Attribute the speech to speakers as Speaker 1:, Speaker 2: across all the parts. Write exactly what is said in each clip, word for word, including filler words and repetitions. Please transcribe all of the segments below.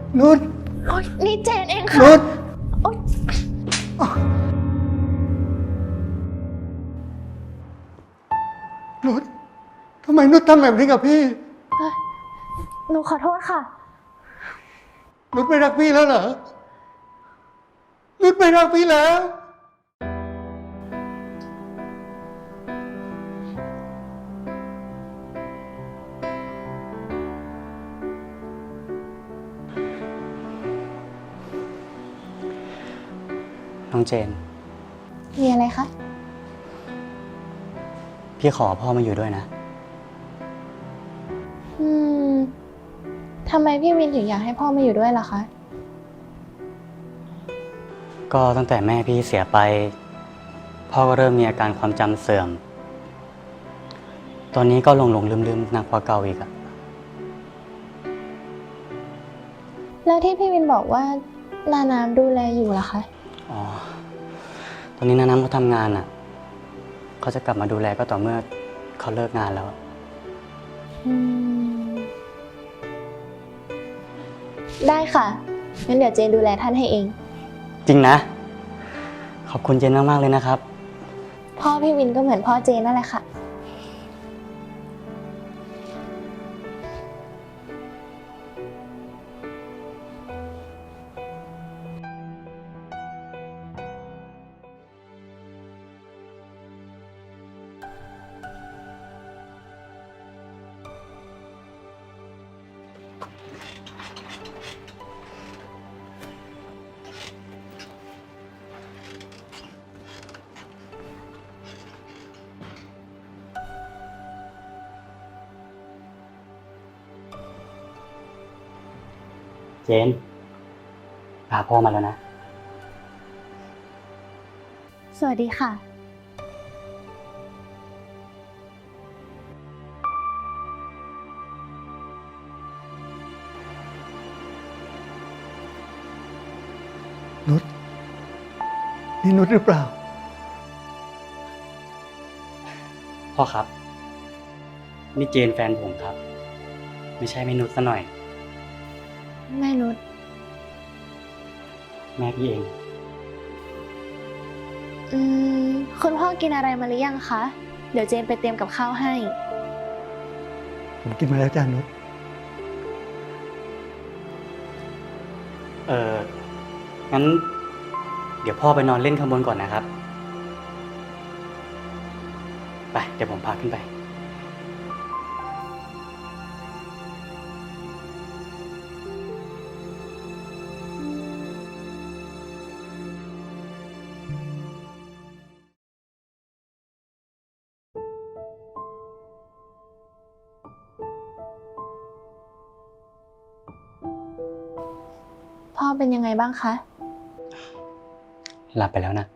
Speaker 1: นุช
Speaker 2: โอ๊ยนี่เจนเองค่ะ
Speaker 1: นุช
Speaker 2: โอ๊ย
Speaker 1: นุชทำไมนุชทำแบบนี้กับพี่
Speaker 2: เอ้ยหนูขอโทษค่ะ
Speaker 1: นุชไม่รักพี่แล้วเหรอ นุชไม่รักพี่แล้ว
Speaker 3: น้องเจน
Speaker 2: มีอะไรคะ
Speaker 3: พี่ขอพ่อมาอยู่ด้วยนะ
Speaker 2: อืมทำไมพี่วินถึงอยากให้พ่อมาอยู่ด้วยล่ะคะ
Speaker 3: ก็ตั้งแต่แม่พี่เสียไป พ่อก็เริ่มมีอาการความจำเสื่อม ตอนนี้ก็หลงหลงลืมลืมหนักกว่าเก่าอีกอะ
Speaker 2: แล้วที่พี่วินบอกว่านาน้ำดูแลอยู่ล่ะคะ
Speaker 3: อ๋อ ตอนนี้น้าน้ำเขาทำงานอะเขาจะกลับมาดูแลก็ต่อเมื่อเขาเลิกงานแล้ว
Speaker 2: อืมได้ค่ะ งั้นเดี๋ยวเจนดูแลท่านให้เอง
Speaker 3: จริงนะ ขอบคุณเจนมากๆเลยนะครับ
Speaker 2: พ่อพี่วินก็เหมือนพ่อเจนนั่นแหละค่ะ
Speaker 3: เจน พาพ่อมาแล้วนะ
Speaker 2: สวัสดีค่ะ
Speaker 1: นุชนี่นุชหรือเปล่า
Speaker 3: พ่อครับ นี่เจนแฟนผมครับ ไม่ใช่ไม่นุชซะหน่อย
Speaker 2: แม่นุช
Speaker 3: แม่พี่เอง
Speaker 2: อืมคุณพ่อกินอะไรมาหรือยังคะ เดี๋ยวเจนไปเตรียมกับข้าวให้
Speaker 1: ผมกินมาแล้วจ้านุช
Speaker 3: เอองั้น เดี๋ยวพ่อไปนอนเล่นข้างบนก่อนนะครับ ไป เดี๋ยวผมพาขึ้นไป
Speaker 2: พ่อเป็นยังไงบ้างคะ
Speaker 3: หลับไปแล้วนะ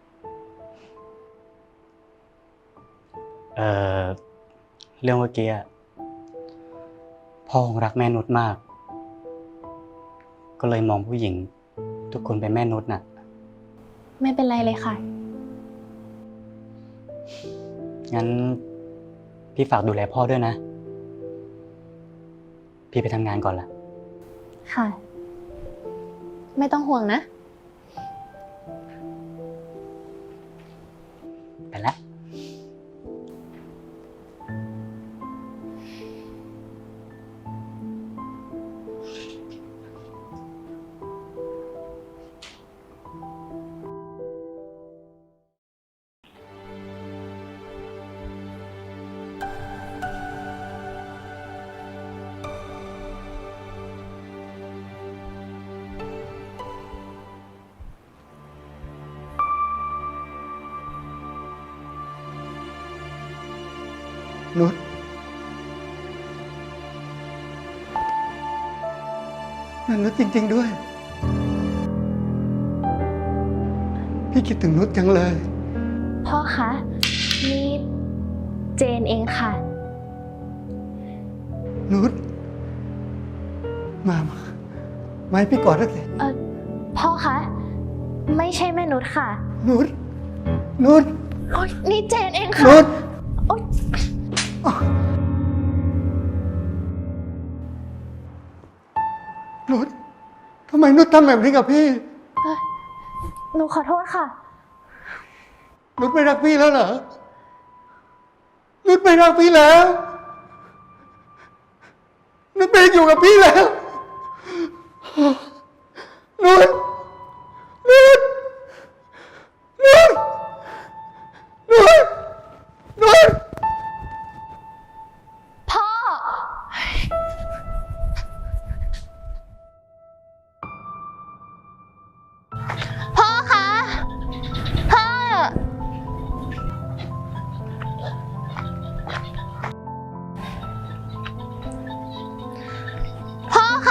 Speaker 3: เออเรื่องเมื่อกี้อะพ่อคงรักแม่นุชมาก ก็เลยมองผู้หญิง ทุกคนเป็นแม่นุชน่ะ
Speaker 2: ไม่เป็นไรเลยค่ะ
Speaker 3: งั้น พี่ฝากดูแลพ่อด้วยนะ พี่ไปทำงานก่อนละ
Speaker 2: ค่ะ ไม่ต้องห่วงนะ
Speaker 3: ไปละ
Speaker 1: นุชนั่นนุชจริงๆด้วย พี่คิดถึงนุชจังเลย
Speaker 2: พ่อคะ นี่เจนเองค่ะ
Speaker 1: นุชมามามาให้พี่กอดสักที
Speaker 2: เออพ่อคะ ไม่ใช่แม่นุชค่ะ
Speaker 1: นุชนุช
Speaker 2: โอ๊ยนี่เจนเองค่ะ
Speaker 1: นุช
Speaker 2: โอ๊ย
Speaker 1: นุชทำไมนุชทำแบบนี้กับพี่
Speaker 2: หนูขอโทษค่ะ
Speaker 1: นุชไม่รักพี่แล้วเหรอ นุชไม่รักพี่แล้ว นุชไม่อยู่กับพี่แล้ว นุชนุชนุชนุชนุช
Speaker 2: พ่อ พ่อคะ พ่อ พ่อคะ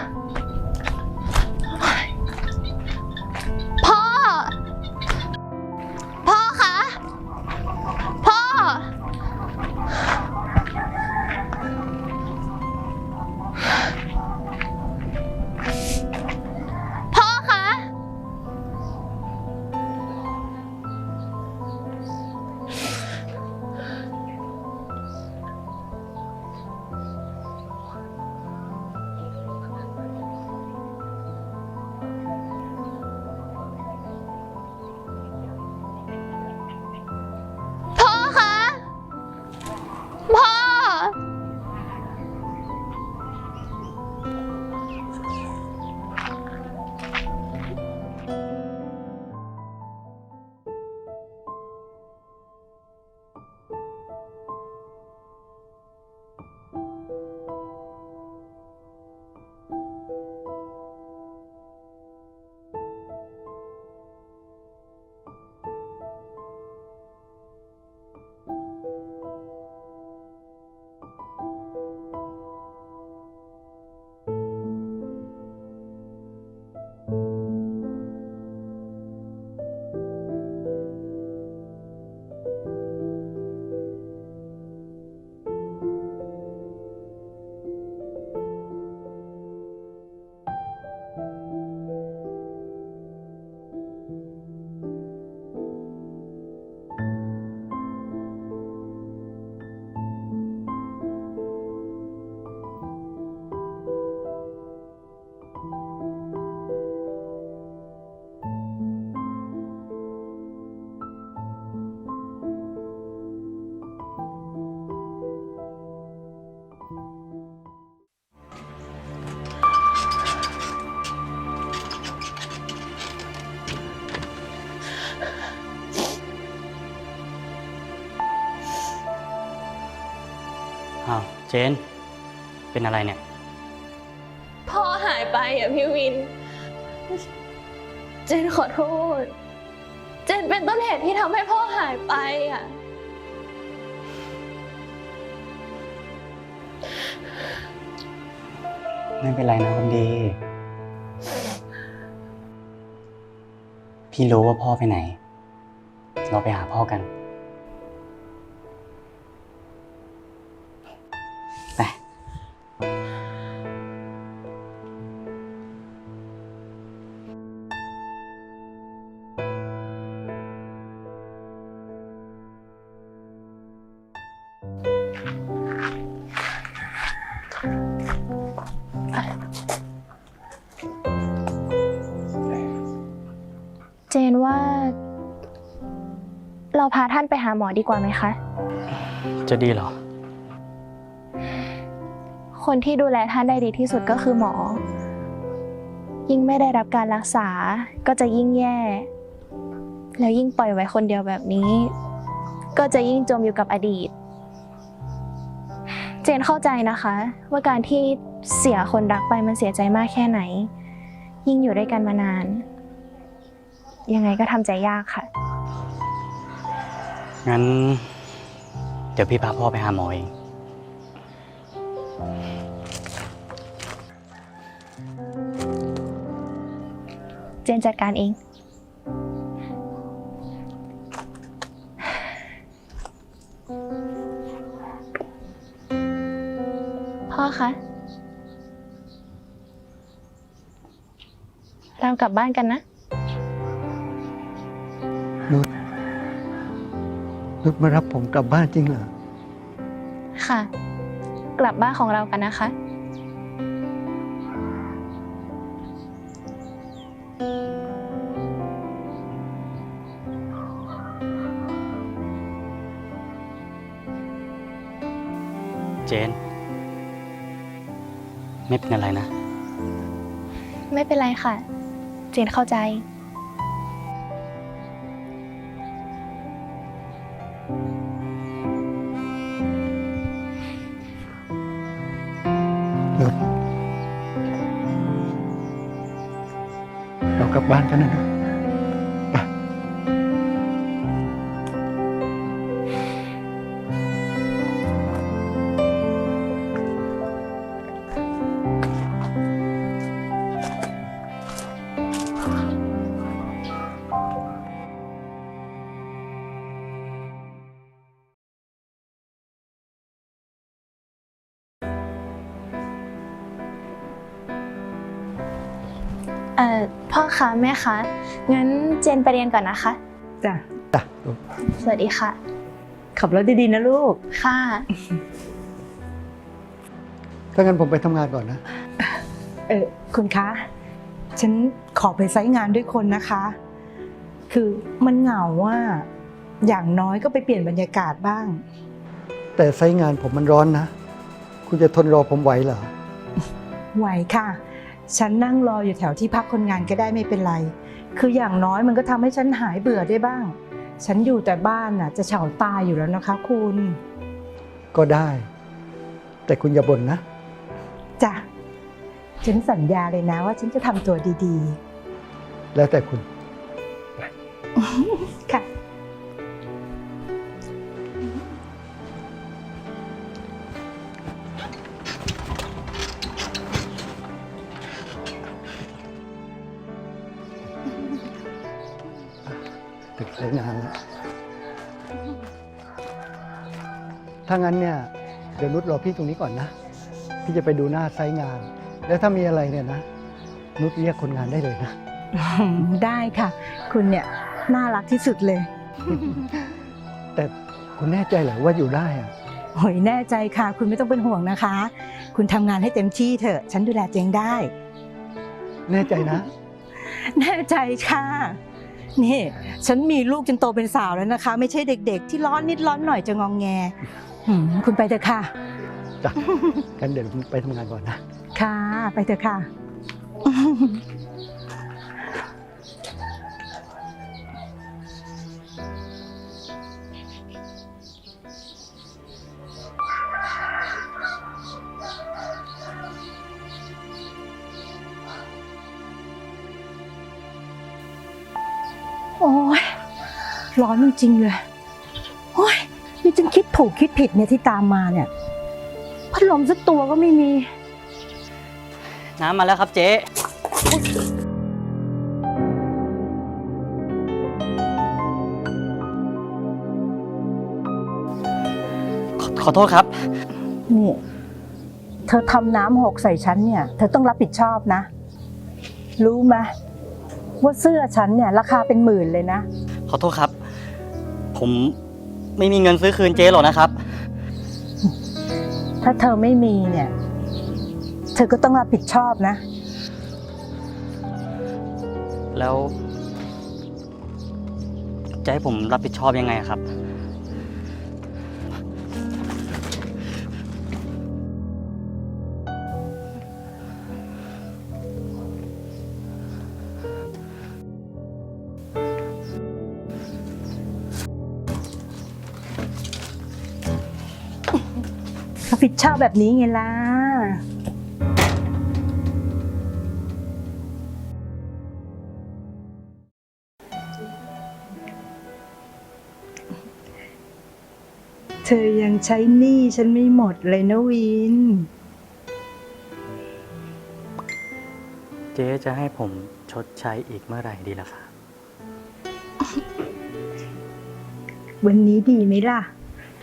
Speaker 2: พ่อ พ่อคะ พ่อ พ่อคะ พ่อคะ พ่อ
Speaker 3: อ้าวเจน เป็นอะไรเนี่ย
Speaker 2: พ่อหายไปอ่ะพี่วิน เจนขอโทษ เจนเป็นต้นเหตุที่ทำให้พ่อหายไปอ่ะ
Speaker 3: ไม่เป็นไรนะคนดี พี่รู้ว่าพ่อไปไหน เราไปหาพ่อกัน ไป
Speaker 2: เจนว่า เราพาท่านไปหาหมอดีกว่าไหมคะ
Speaker 3: จะดีเหรอ
Speaker 2: คนที่ดูแลท่านได้ดีที่สุดก็คือหมอ ยิ่งไม่ได้รับการรักษาก็จะยิ่งแย่ แล้วยิ่งปล่อยไว้คนเดียวแบบนี้ ก็จะยิ่งจมอยู่กับอดีต เจนเข้าใจนะคะ ว่าการที่เสียคนรักไปมันเสียใจมากแค่ไหน ยิ่งอยู่ด้วยกันมานาน ยังไงก็ทำใจยากค่ะ
Speaker 3: งั้น เดี๋ยวพี่พาพ่อไปหาหมอเอง
Speaker 2: เจนจัดการเอง พ่อคะ เรากลับบ้านกันนะ
Speaker 1: นุชนุชมารับผมกลับบ้านจริงเหรอ
Speaker 2: ค่ะ กลับบ้านของเรากันนะคะ
Speaker 3: เจน ไม่เป็นอะไรนะ
Speaker 2: ไม่เป็นไรค่ะ เจนเข้าใจ
Speaker 1: นุชเรากลับบ้านกันนะนุชไป
Speaker 2: เอ่อ พ่อคะแม่คะ งั้นเจนไปเรียนก่อนนะคะ
Speaker 4: จ้ะ
Speaker 1: จ้ะลูก
Speaker 2: สวัสดีค่ะ
Speaker 4: ขับรถดีๆนะลูก
Speaker 2: ค่ะ
Speaker 1: ถ้างั้นผมไปทำงานก่อนนะ
Speaker 4: เออคุณคะ ฉันขอไปไซต์งานด้วยคนนะคะ คือมันเหงาว่า อย่างน้อยก็ไปเปลี่ยนบรรยากาศบ้าง
Speaker 1: แต่ไซต์งานผมมันร้อนนะ คุณจะทนรอผมไหวเหรอ
Speaker 4: ไหวค่ะ ฉันนั่งรออยู่แถวที่พักคนงานก็ได้ไม่เป็นไร คืออย่างน้อยมันก็ทำให้ฉันหายเบื่อได้บ้าง ฉันอยู่แต่บ้านน่ะ จะเฉาตายอยู่แล้วนะคะ คุณ
Speaker 1: ก็ได้ แต่คุณอย่าบ่นนะ
Speaker 4: จ้ะ ฉันสัญญาเลยนะว่าฉันจะทำตัวดี
Speaker 1: แล้วแต่คุณ
Speaker 4: ๆ ค่ะ
Speaker 1: ถึงไซต์งานแล้ว ถ้างั้นเนี่ย เดี๋ยวนุชรอพี่ตรงนี้ก่อนนะ พี่จะไปดูหน้าไซต์งาน แล้วถ้ามีอะไรเนี่ยนะ นุชเรียกคนงานได้เลยนะ
Speaker 4: ได้ค่ะ คุณเนี่ยน่ารักที่สุดเลย
Speaker 1: แต่คุณแน่ใจเหรอว่าอยู่ได้อะ
Speaker 4: โอ้ยแน่ใจค่ะ คุณไม่ต้องเป็นห่วงนะคะ คุณทำงานให้เต็มที่เถอะ ฉันดูแลตัวเองได้
Speaker 1: แน่ใจนะ
Speaker 4: แน่ใจค่ะ นี่ ฉันมีลูกจนโตเป็นสาวแล้วนะคะ ไม่ใช่เด็กๆ ที่ร้อนนิดร้อนหน่อยจะงองแงหืมคุณไปเถอะค่ะ
Speaker 1: จ้ะ กันเดี๋ยวผมไปทำงานก่อนนะ
Speaker 4: ค่ะ ไปเถอะค่ะ โอ้ยร้อนจริงๆเลยโอ้ยนี่ฉันคิดถูกคิดผิดเนี่ยที่ตามมาเนี่ย พัดลมสักตัวก็ไม่มี
Speaker 3: น้ำมาแล้วครับเจ๊ขอขอโทษครับ
Speaker 4: นี่ เธอทำน้ำหกใส่ฉันเนี่ย เธอต้องรับผิดชอบนะ รู้ไหมว่าเสื้อฉันเนี่ยราคาเป็นหมื่นเลยนะ
Speaker 3: ขอโทษครับ ผมไม่มีเงินซื้อคืนเจ๊หรอกนะครับ
Speaker 4: ถ้าเธอไม่มีเนี่ย เธอก็ต้องรับผิดชอบนะ
Speaker 3: แล้วจะให้ผมรับผิดชอบยังไงอะครับ
Speaker 4: รับผิดชอบแบบนี้ไงล่ะ เธอยังใช้หนี้ฉันไม่หมดเลยนะวิน
Speaker 3: เจ๊จะให้ผมชดใช้อีกเมื่อไหร่ดีล่ะครับ
Speaker 4: วันนี้ดีไหมล่ะ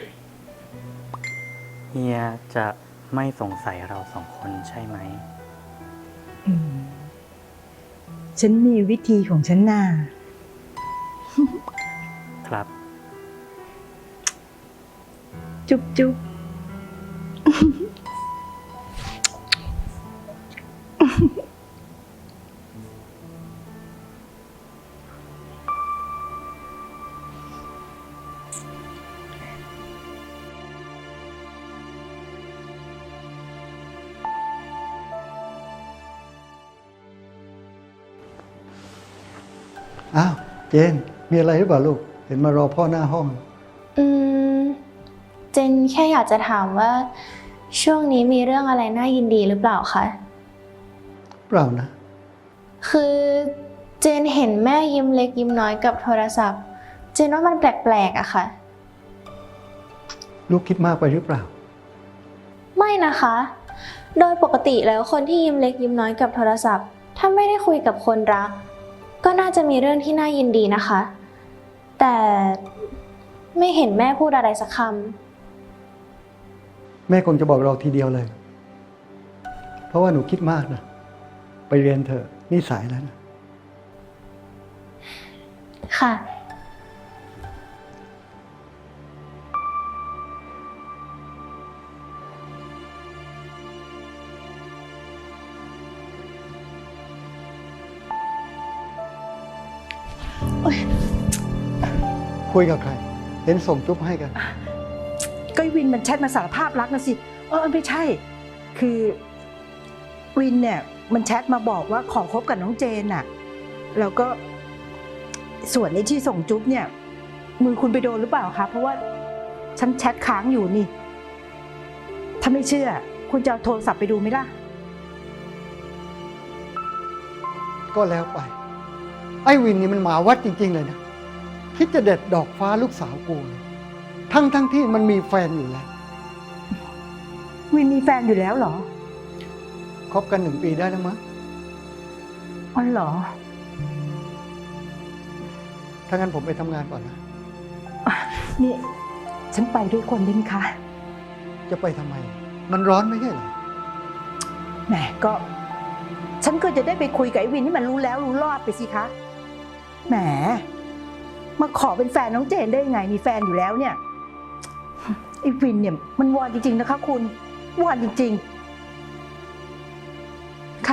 Speaker 3: เฮียจะไม่สงสัยเราสองคนใช่ไหม
Speaker 4: อืม ฉันมีวิธีของฉันน่ะ
Speaker 3: ครับ
Speaker 4: จุ๊บจุ๊บ
Speaker 1: อ้าวเจนมีอะไรหรือเปล่าลูก เห็นมารอพ่อหน้าห้อง
Speaker 2: อืม เจนแค่อยากจะถามว่า ช่วงนี้มีเรื่องอะไรน่ายินดีหรือเปล่าคะ
Speaker 1: เปล่านะ
Speaker 2: คือเจนเห็นแม่ยิ้มเล็กยิ้มน้อยกับโทรศัพท์ เจนว่ามันแปลกๆอะค่ะ
Speaker 1: ลูกคิดมากไปหรือเปล่า
Speaker 2: ไม่นะคะ โดยปกติแล้วคนที่ยิ้มเล็กยิ้มน้อยกับโทรศัพท์ ถ้าไม่ได้คุยกับคนรัก ก็น่าจะมีเรื่องที่น่ายินดีนะคะ แต่ไม่เห็นแม่พูดอะไรสักค
Speaker 1: แม่คงจะบอกเราทีเดียวเลย เพราะว่าหนูคิดมากนะ ไปเรียนเถอะนี่สายแล้วนะ
Speaker 2: ำค่ะ
Speaker 1: คุยกับใคร เห็นส่งจุ๊บให้กัน
Speaker 4: ก็วินมันแชทมาสารภาพรักนะสิ เออไม่ใช่ คือวินเนี่ยมันแชทมาบอกว่าขอคบกับน้องเจนน่ะ แล้วก็ส่วนในที่ส่งจุ๊บเนี่ยมือคุณไปโดนหรือเปล่าคะ เพราะว่าฉันแชทค้างอยู่นี่ ถ้าไม่เชื่อ คุณจะเอาโทรศัพท์ไปดูไหมล่ะ
Speaker 1: ก็แล้วไป ไอ้วินนี่มันหมาวัดจริงๆเลยนะ คิดจะเด็ดดอกฟ้าลูกสาวกูเลยทั้งทั้งที่มันมีแฟนอยู่แล้ว
Speaker 4: วินมีแฟนอยู่แล้วเหรอ
Speaker 1: คบกันหนึ่งปีได้แล้วมั้ง
Speaker 4: อ๋อเหรอ
Speaker 1: ถ้างั้นผมไปทำงานก่อนนะ
Speaker 4: นี่ ฉันไปด้วยคนได้ไหมคะ
Speaker 1: จะไปทำไม มันร้อนไม่ใช่เหรอ
Speaker 4: แหมก็ ฉันก็จะได้ไปคุยกับไอ้วินที่มันรู้แล้วรู้รอดไปสิคะ แหม มาขอเป็นแฟนน้องเจนได้ยังไง มีแฟนอยู่แล้วเนี่ย ไอ้วินเนี่ยมันวอนจริงๆนะคะคุณวอนจริงๆ ค่ะ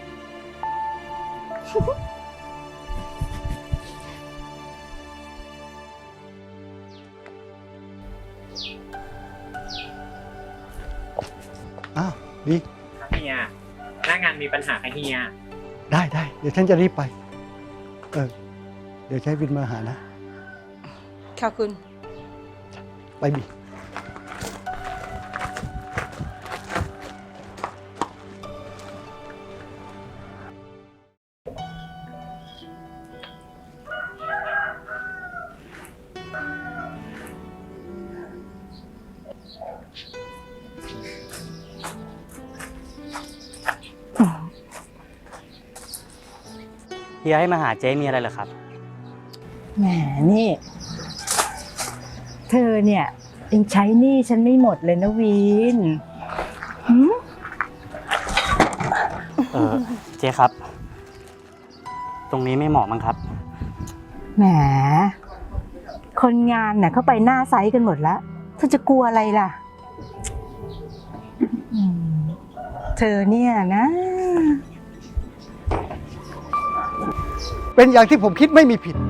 Speaker 1: อ้าว ดี
Speaker 5: ครับเฮียหน้างานมีปัญหากับเฮีย
Speaker 1: ได้ได้ เดี๋ยวฉันจะรีบไป เออ เดี๋ยวใช้วินมาหานะ
Speaker 4: ค่ะคุณ
Speaker 1: ไปบี
Speaker 3: เฮียให้มาหาเจ๊มีอะไรเหรอครับ
Speaker 4: แหมนี่ เธอเนี่ยยังใช้หนี้ฉันไม่หมดเลยนะวินหืม
Speaker 3: เออเจ๊ครับ ตรงนี้ไม่เหมาะมั้งครับ
Speaker 4: แหม คนงานน่ะเข้าไปหน้าไซต์กันหมดแล้วเธอจะกลัวอะไรล่ะอืมเธอเนี่ยนะ
Speaker 1: เป็นอย่างที่ผมคิดไม่มีผิด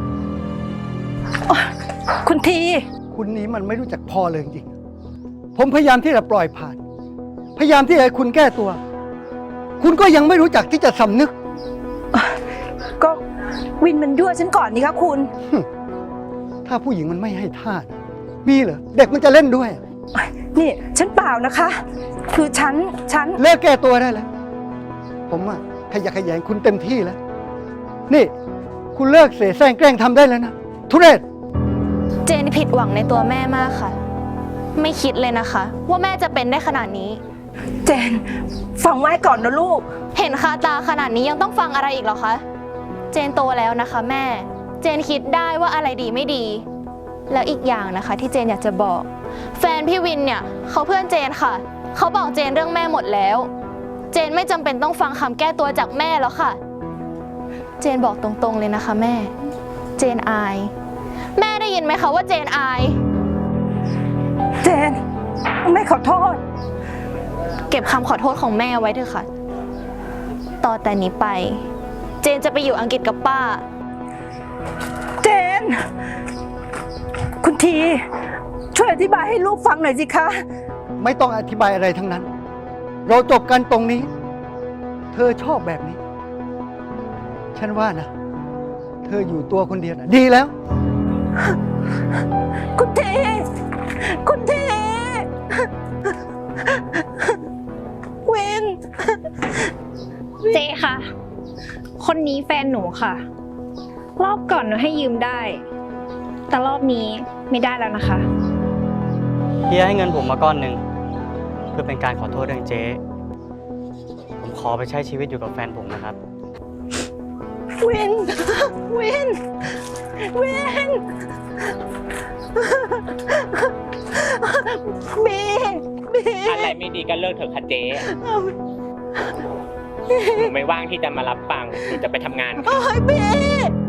Speaker 4: คุณที
Speaker 1: คุณนี้มันไม่รู้จักพอเลยจริงๆผมพยายามที่จะปล่อยผ่าน พยายามที่จะให้คุณแก้ตัว คุณก็ยังไม่รู้จักที่จะสำนึก
Speaker 4: ก็วินมันยั่วฉันก่อนนี่ครับคุณ
Speaker 1: ถ้าผู้หญิงมันไม่ให้ท่านะมีเหรอ เด็กมันจะเล่นด้วย
Speaker 4: นี่ฉันเปล่านะคะ คือฉันฉัน
Speaker 1: เลิกแก้ตัวได้แล้ว ผมอะขยะแขยงคุณเต็มที่แล้ว นี่ คุณเลิกเสแสร้งแกล้งทำได้แล้วนะ ทุเรศ
Speaker 2: เจนผิดหวังในตัวแม่มากค่ะ ไม่คิดเลยนะคะ ว่าแม่จะเป็นได้ขนาดนี้
Speaker 4: เจนฟังไว้ก่อนนะลูก
Speaker 2: เห็นคาตาขนาดนี้ยังต้องฟังอะไรอีกเหรอคะ เจนโตแล้วนะคะแม่ เจนคิดได้ว่าอะไรดีไม่ดี แล้วอีกอย่างนะคะที่เจนอยากจะบอก แฟนพี่วินเนี่ยเขาเพื่อนเจนค่ะ เขาบอกเจนเรื่องแม่หมดแล้ว เจนไม่จำเป็นต้องฟังคำแก้ตัวจากแม่แล้วค่ะ เจนบอกตรงๆเลยนะคะแม่ เจนอาย แม่ได้ยินไหมคะว่าเจนอาย
Speaker 4: เจนไม่ขอโทษ
Speaker 2: เก็บคำขอโทษของแม่ไว้เถอะค่ะ ต่อแต่นี้ไป เจนจะไปอยู่อังกฤษกับป้า
Speaker 4: เจน คุณที ช่วยอธิบายให้ลูกฟังหน่อยสิคะ
Speaker 1: ไม่ต้องอธิบายอะไรทั้งนั้น เราจบกันตรงนี้ เธอชอบแบบนี้ ฉันว่านะ เธออยู่ตัวคนเดียวน่ะดีแล้ว
Speaker 4: คุณเทคุณเทวิน
Speaker 2: เจ๊ค่ะ คนนี้แฟนหนูค่ะ รอบก่อนหนูให้ยืมได้ แต่รอบนี้ไม่ได้แล้วนะคะ
Speaker 3: เฮียให้เงินผมมาก้อนหนึ่งเพื่อเป็นการขอโทษเรื่องเจ๊ ผมขอไปใช้ชีวิตอยู่กับแฟนผมนะครับ
Speaker 4: วิน วิน วินบีบี
Speaker 5: อะไรไม่ดีก็เลิกเถอะค่ะเจ๊หนูไม่ว่างที่จะมารับฟังหนูจะไปทำงานค่ะ
Speaker 4: โอ้ยบี